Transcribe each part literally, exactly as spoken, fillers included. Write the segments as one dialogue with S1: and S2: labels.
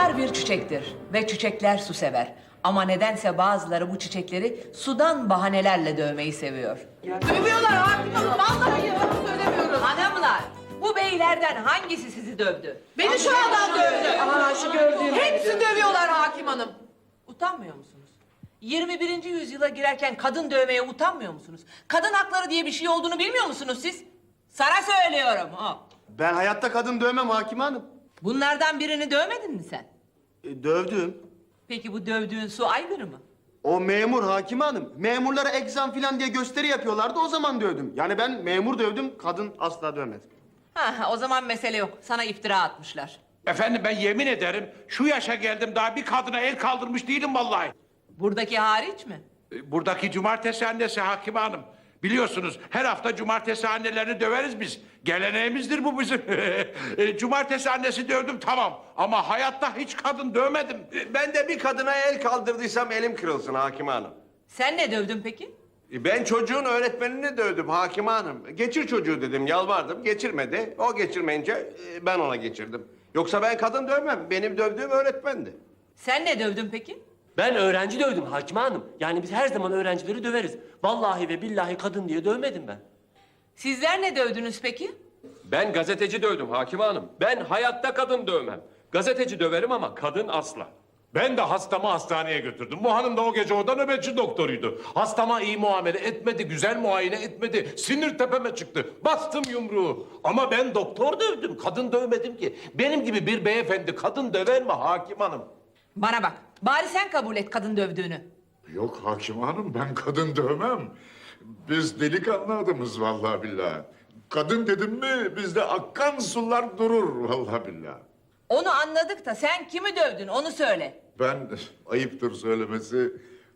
S1: Sular bir çiçektir ve çiçekler su sever. Ama nedense bazıları bu çiçekleri sudan bahanelerle dövmeyi seviyor.
S2: Dövüyorlar hakim hanım. Vallahi yalan söylemiyorum.
S1: Hanımlar, bu beylerden hangisi sizi dövdü?
S2: Beni şu adam dövdü.
S1: Aa, şu gördüğüm.
S2: Hepsi dövüyorlar hakim hanım.
S1: Utanmıyor musunuz? yirmi birinci yüzyıla girerken kadın dövmeye utanmıyor musunuz? Kadın hakları diye bir şey olduğunu bilmiyor musunuz siz? Sana söylüyorum. Ha.
S3: Ben hayatta kadın dövmem Hakime Hanım.
S1: Bunlardan birini dövmedin mi sen?
S3: E, dövdüm.
S1: Peki bu dövdüğün su aygırı mı?
S3: O memur Hakime Hanım. Memurlara egzam falan diye gösteri yapıyorlardı, o zaman dövdüm. Yani ben memur dövdüm, kadın asla dövmedim.
S1: Ha, ha, o zaman mesele yok. Sana iftira atmışlar.
S4: Efendim ben yemin ederim şu yaşa geldim daha bir kadına el kaldırmış değilim vallahi.
S1: Buradaki hariç mi?
S4: E, Buradaki cumartesi annesi Hakime Hanım. Biliyorsunuz her hafta cumartesi annelerini döveriz biz. Geleneğimizdir bu bizim. E, cumartesi annesi dövdüm tamam ama hayatta hiç kadın dövmedim. E,
S5: Ben de bir kadına el kaldırdıysam elim kırılsın Hakime Hanım.
S1: Sen ne dövdün peki?
S5: Ben çocuğun öğretmenini dövdüm Hakime Hanım. Geçir çocuğu dedim, yalvardım. Geçirmedi. O geçirmeyince e, ben ona geçirdim. Yoksa ben kadın dövmem. Benim dövdüğüm öğretmendi.
S1: Sen ne dövdün peki?
S6: Ben öğrenci dövdüm Hakime Hanım. Yani biz her zaman öğrencileri döveriz. Vallahi ve billahi kadın diye dövmedim ben.
S1: Sizler ne dövdünüz peki?
S7: Ben gazeteci dövdüm Hakime Hanım. Ben hayatta kadın dövmem. Gazeteci döverim ama kadın asla.
S4: Ben de hastamı hastaneye götürdüm. Bu hanım da o gece orada nöbetçi doktoruydu. Hastama iyi muamele etmedi, güzel muayene etmedi. Sinir tepeme çıktı. Bastım yumruğu. Ama ben doktor dövdüm, kadın dövmedim ki. Benim gibi bir beyefendi kadın döver mi Hakim Hanım?
S1: Bana bak. Bari sen kabul et kadın dövdüğünü.
S8: Yok Hakim Hanım, ben kadın dövmem. Biz delikanlı adamız vallahi billahi. Kadın dedim mi bizde akkan sular durur vallahi billahi.
S1: Onu anladık da sen kimi dövdün onu söyle.
S8: Ben ayıptır söylemesi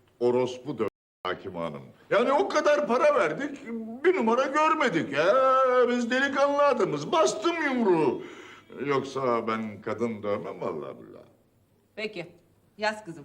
S8: orospu dövdüm Hakim Hanım. Yani o kadar para verdik bir numara görmedik. Ya, biz delikanlı adamız, bastım yumruğu. Yoksa ben kadın dövmem vallahi billahi.
S1: Peki. Yaz kızım.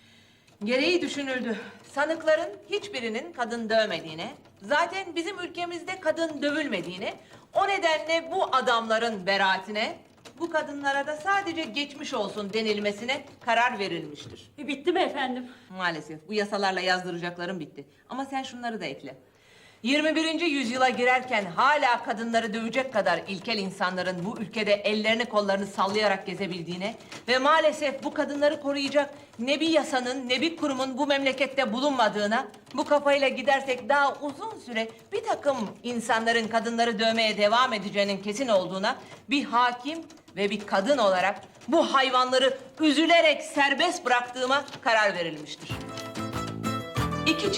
S1: Gereği düşünüldü. Sanıkların hiçbirinin kadın dövmediğine, zaten bizim ülkemizde kadın dövülmediğine, o nedenle bu adamların beraatine, bu kadınlara da sadece geçmiş olsun denilmesine karar verilmiştir.
S9: Bitti mi efendim?
S1: Maalesef bu yasalarla yazdıracaklarım bitti. Ama sen şunları da ekle. yirmi birinci yüzyıla girerken hala kadınları dövecek kadar ilkel insanların bu ülkede ellerini kollarını sallayarak gezebildiğine ve maalesef bu kadınları koruyacak ne bir yasanın ne bir kurumun bu memlekette bulunmadığına, bu kafayla gidersek daha uzun süre bir takım insanların kadınları dövmeye devam edeceğinin kesin olduğuna bir hakim ve bir kadın olarak bu hayvanları üzülerek serbest bıraktığıma karar verilmiştir. İki